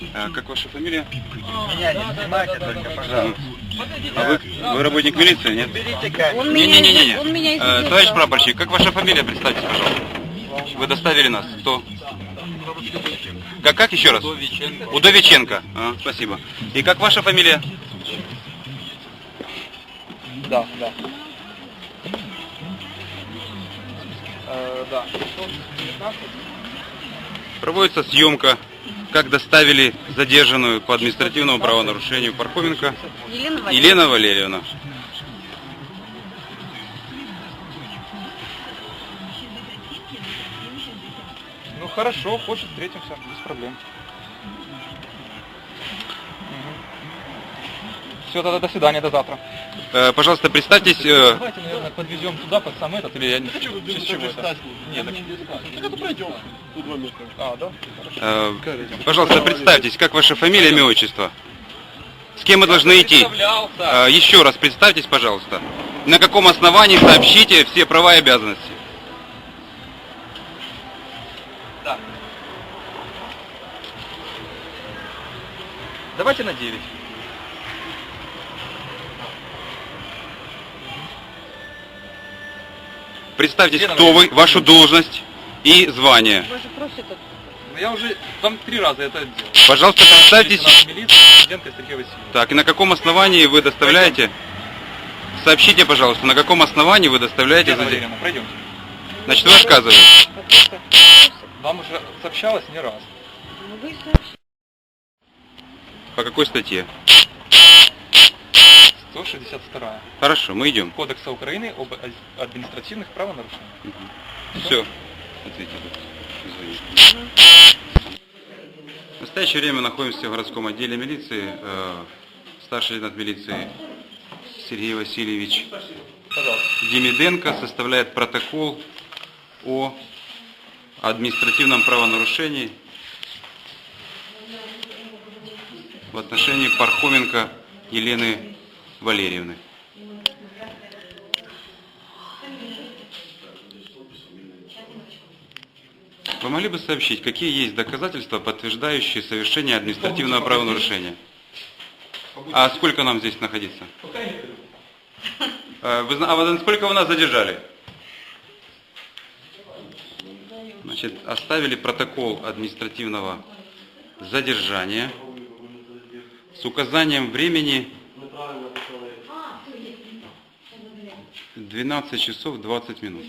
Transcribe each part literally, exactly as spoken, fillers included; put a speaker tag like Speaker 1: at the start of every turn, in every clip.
Speaker 1: А, как ваша фамилия?
Speaker 2: Меня не снимайте только, пожалуйста.
Speaker 1: А вы, вы работник милиции, нет?
Speaker 2: Берите камеру.
Speaker 3: Он меня,
Speaker 1: Не-не-не-не.
Speaker 3: он меня
Speaker 1: А,
Speaker 3: извинил.
Speaker 1: товарищ прапорщик, как ваша фамилия? Представьтесь, пожалуйста. Вы доставили нас. Кто? Как, как еще раз?
Speaker 4: Удовиченко.
Speaker 1: Удовиченко. А, спасибо. И как ваша фамилия?
Speaker 4: Да, да. Э, да.
Speaker 1: Проводится съемка, как доставили задержанную по административному правонарушению Пархоменко
Speaker 3: Елена Валерьевна.
Speaker 1: Елена Валерьевна.
Speaker 4: Ну хорошо, хочет, встретимся, без проблем. Все, тогда до свидания, до завтра.
Speaker 1: Э, пожалуйста, представьтесь. э,
Speaker 4: Давайте, наверное, подвезем туда, под сам этот, или я не хочу, в честь чего это? Нет, так...
Speaker 5: Так это пройдем. Тут два метра.
Speaker 4: А, да?
Speaker 1: э, пожалуйста, представьтесь, как ваша фамилия, имя, отчество? С кем мы должны идти?
Speaker 4: Представлялся.
Speaker 1: Э, еще раз представьтесь, пожалуйста. На каком основании сообщите все права и обязанности?
Speaker 4: Да. Давайте на девять.
Speaker 1: Представьтесь,
Speaker 4: Елена
Speaker 1: кто вы,
Speaker 4: Валерьевна.
Speaker 1: вашу должность и звание.
Speaker 3: Вы же просите тут.
Speaker 4: Ну я уже там три раза это делал.
Speaker 1: Пожалуйста, представьтесь.
Speaker 4: Лейтенант милиции, Студенко Сергей Васильевич.
Speaker 1: Так, и на каком основании вы доставляете? Сообщите, пожалуйста, на каком основании вы доставляете
Speaker 4: Елена
Speaker 1: задержанную?
Speaker 4: Валерьевна, пройдемте.
Speaker 1: Значит, вы отказываете.
Speaker 4: Вам уже сообщалось не раз.
Speaker 3: Ну, вы сообщите.
Speaker 1: По какой статье?
Speaker 4: сто шестьдесят вторая.
Speaker 1: Хорошо, мы идем.
Speaker 4: Кодекса Украины об административных правонарушениях.
Speaker 1: Все. Ответьте. Извините. В настоящее время находимся в городском отделе милиции. Э, Старший лейтенант милиции Сергей Васильевич
Speaker 4: Пожалуйста.
Speaker 1: Демиденко составляет протокол о административном правонарушении в отношении Пархоменко Елены Валерьевны. Вы могли бы сообщить, какие есть доказательства, подтверждающие совершение административного правонарушения? А сколько нам здесь находиться? А вы, зна- а вы- сколько вы нас задержали? Значит, оставили протокол административного задержания с указанием времени двенадцать часов двадцать минут.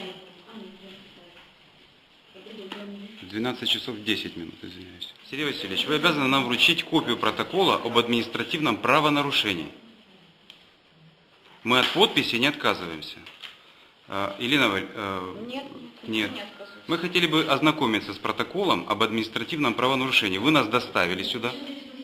Speaker 1: двенадцать часов десять минут, извиняюсь. Сергей Васильевич, вы обязаны нам вручить копию протокола об административном правонарушении. Мы от подписи не отказываемся. А, Елена Валь... э,
Speaker 3: Нет,
Speaker 1: Нет.
Speaker 3: не отказываюсь.
Speaker 1: Мы хотели бы ознакомиться с протоколом об административном правонарушении. Вы нас доставили сюда.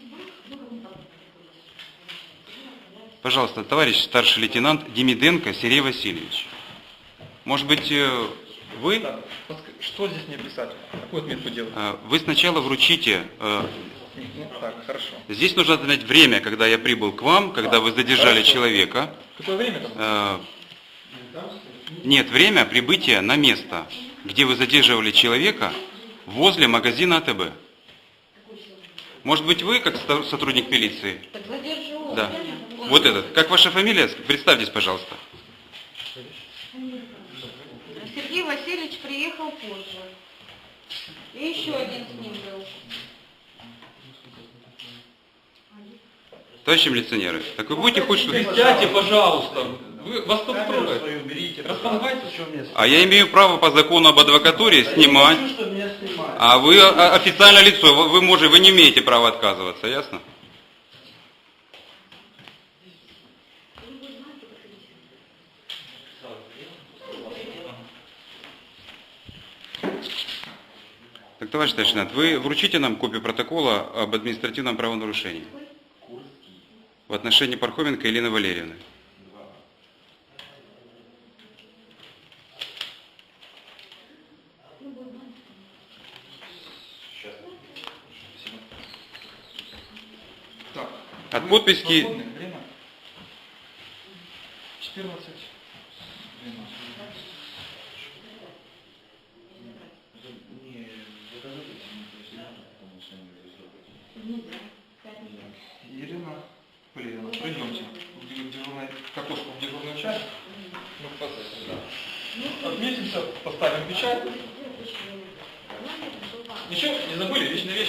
Speaker 1: Пожалуйста, товарищ старший лейтенант Демиденко Сергей Васильевич. Может быть, э, вы,
Speaker 4: Так, что здесь мне писать? Какую отметку делать?
Speaker 1: э, вы сначала вручите... э,
Speaker 4: Ну, так, хорошо.
Speaker 1: Здесь нужно отметить время, когда я прибыл к вам, когда вы задержали
Speaker 4: Хорошо.
Speaker 1: человека.
Speaker 4: Какое время там?
Speaker 1: Э, Нет, время прибытия на место, где вы задерживали человека возле магазина АТБ. Может быть, вы, как ста- сотрудник милиции?
Speaker 3: Так задержу.
Speaker 1: Да. Вот этот. Как ваша фамилия? Представьтесь, пожалуйста.
Speaker 3: Сергей Васильевич приехал позже. И еще один с ним был.
Speaker 1: Товарищи милиционеры, так вы будете хоть что-то...
Speaker 4: Сядьте, пожалуйста. Вы, вас кто трогает? Располагайте.
Speaker 1: А я имею право по закону об адвокатуре снимать.
Speaker 5: Что меня снимают?
Speaker 1: А вы а, официальное лицо, вы, вы, можете, вы не имеете права отказываться, ясно? Так, товарищ старший лейтенант, вы вручите нам копию протокола об административном правонарушении в отношении Пархоменко Елены Валерьевны.
Speaker 4: Так.
Speaker 1: От подписи...
Speaker 4: Свободное время? четырнадцать. двенадцать. Ирина Полевина, пройдемте в дежурной, к окошку в дежурную часть. Ну, в процессе, да. Отметимся, поставим печать. Ничего, не забыли, личные вещи.